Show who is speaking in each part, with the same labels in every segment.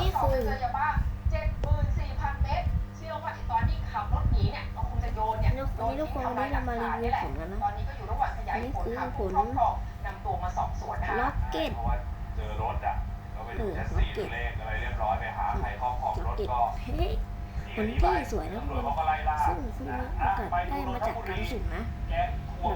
Speaker 1: นี่คือ
Speaker 2: เจอยาบ้า74,000 เม็ดเชื่อว่าตอนที่ขับรถหนีเนี่ยก็คงจะโยนเนี่ยโดนทิ้งทำลายหลักฐานนี่แหละตอนนี้ก็อยู่ระหว่างขยายผลหาผู้ครอบครองนำตัวมาสอบสวนนะคะ
Speaker 1: ล็อกเก็ต
Speaker 3: เพราะว่าเจอรถอ่ะก็ไปดูแท็กซี่เลขอะไรเรียบร้อยไปหาใครครอบครองรถก็
Speaker 1: เฮ้ยคนที่สวยนะทุกคนซึ่งเกิดได้มาจากการสุ่มนะแบบ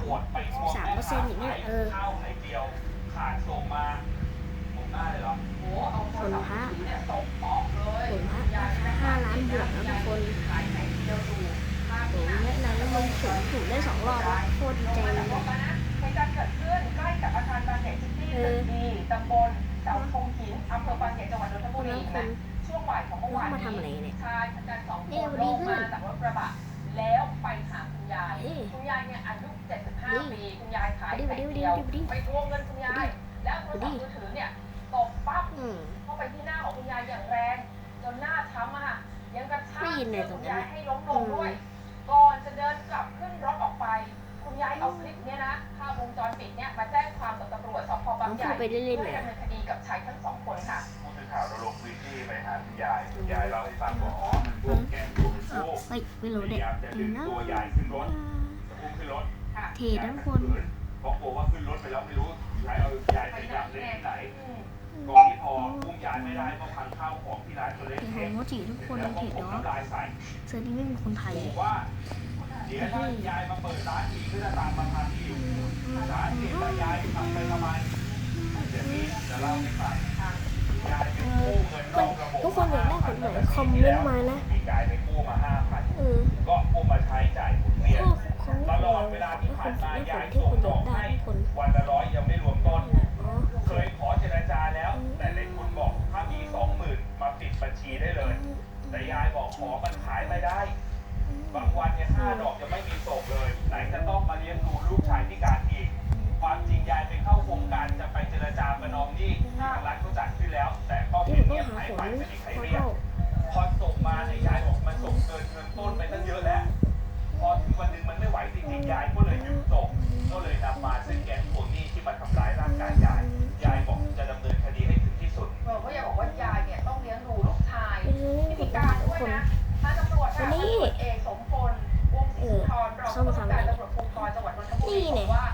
Speaker 1: 13%อย่างเงี้ย
Speaker 3: เข้าในเดียวขาดส่งมาผมหน้าเลยเหรอ
Speaker 2: โอ้เอาโทรศัพท์มือถือเนี่ยตบออกเลย
Speaker 1: ผลพระ5 ล้านบวกนะทุกคน
Speaker 2: ขายไหนเดียวดูภาพ
Speaker 1: โอ้ยแนะนำแล้วมันถูกได้2 รอบโคตรดีใจเลย
Speaker 2: เหตุการณ์เกิดขึ้นใกล้กับอาคารบางใหญ่ซิตี้ตึกดีตำบลเสาธงหินอำเภอบางใหญ่จังหวัดนนทบุรีนะช่วงบ่ายของเมื่อวานนี้ชายชะกัน2 คนลงมาจากรถกระบะแล้วไปหาคุณยายเนี่ยอายุ75 ปีคุณยายขายไข่เดียวไปทวงเงินคุณยายแล้วโทรศัพท์มือถือเนี่ยตบปั๊บเข้าไปที่หน้าของคุณยายอย่างแรงจนหน้าช้ำอะยังกระชากคุณยายให้ล้มลงด้วยก่อนจะเดินกลับขึ้นรถออกไปคุณยายเอาคลิปเนี้ยนะภาพวงจรปิดเนี่ยมาแจ้งความกับตำรวจสพบางใหญ่เพื่อดำเนินคดีกับชายทั้ง2 คนค่ะ
Speaker 3: ผู้สื่อข่าวเราลงพื้นที่ไปหาคุณยายเล่าให้ฟังว่าอ๋อมันพวกแกงตัวเป็นพวก
Speaker 1: ไม่รู้เด็ก
Speaker 3: จะดึงตัวยายขึ้นรถจะพุ่งขึ้นรถ
Speaker 1: เททั้งคน
Speaker 3: เพราะกลัวว่าขึ้นรถไปแล้วไม่รู้ใครเอายายไปยัดเล่นที่ไหนก่อนที่พอพุ่งยายไม่ได้ก็พังข้าวของที่ร้านตัวเล็ก
Speaker 1: เห็นโมจิทุกคน
Speaker 3: แล้วก็
Speaker 1: เห็น
Speaker 3: ผม
Speaker 1: เนาะ
Speaker 3: น้ำลายใส่
Speaker 1: เซอร์นี้ไม่มีคนไทย
Speaker 3: บอกว่าเดี๋ยวถ้ายายมาเปิดร้านอีกก็จะตามมาทำอีกร้านเด็กแล้วยายทำไปทำไมเดี๋ยวนี้จะเล่าให้ฟังยายไปกู้เงินนอกระบบ
Speaker 1: ทุกคนอยากได้ผลไหนคอมเมนต์มานะ
Speaker 3: มีกายไปกู้มา 5,000 ก็กู้มาใช้จ่ายหมุนเวียน
Speaker 1: ของ
Speaker 3: ตลอดเวลาที่ผ่านมายาย
Speaker 1: ที่
Speaker 3: ส่ง
Speaker 1: คุณอ
Speaker 3: ด
Speaker 1: ยา
Speaker 3: อก ก
Speaker 1: ได้
Speaker 3: ให้
Speaker 1: ทุกคน
Speaker 3: วันละ100ยังไม่รวมต้น
Speaker 1: อ๋อ
Speaker 3: เคยขอเจรจาแล้ว แต่ในทุนบอกถ้ามี 20,000 มาปิดบัญชีได้เลย แต่ยายบอกขอมันขายไม่ได้ บางวันเนี่ย5 ดอกยังไม่มีส่งเลย ไหนจะต้องมาเลี้ยงดูลูกชายพิการอีก ความจริงยายไปเข้าโครงการจะไปเจรจาประนอมหนี้ทางรัฐเขาจัดขึ้นแล้ว แต่ก็
Speaker 1: ที่
Speaker 3: เงี
Speaker 1: ผม
Speaker 3: ย
Speaker 1: ต้อบ งหา
Speaker 3: ๆหาย
Speaker 1: ผล
Speaker 3: ไปไม่มีใคร
Speaker 1: ขอ
Speaker 3: เรียก
Speaker 1: เข้า
Speaker 3: พอส่งมาเนี่ยยายบอกมันส่งเกินเงินต้นไปตั้งเยอะแล้ว พอถึงวันหนึ่งมันไม่ไหวจริงๆยายก็เลยหยุดส่งก็เลยนำมาซึ่งแก๊งทวงหนี้ที่มาทำร้ายร่างกายยายบอกจะดำเนินคดีให้ถึงที่สุด
Speaker 2: เพราะยายบอกว่ายายเนี่ยต้องเลี้ยงดูลูกชายพิการด้วยนะทางตำรวจค่ะตำรวจเอกสมพลวงศรีสุนทรรองผู้บัญชาการตำรวจภูธรจังหวัดนนทบุรีบอกว่า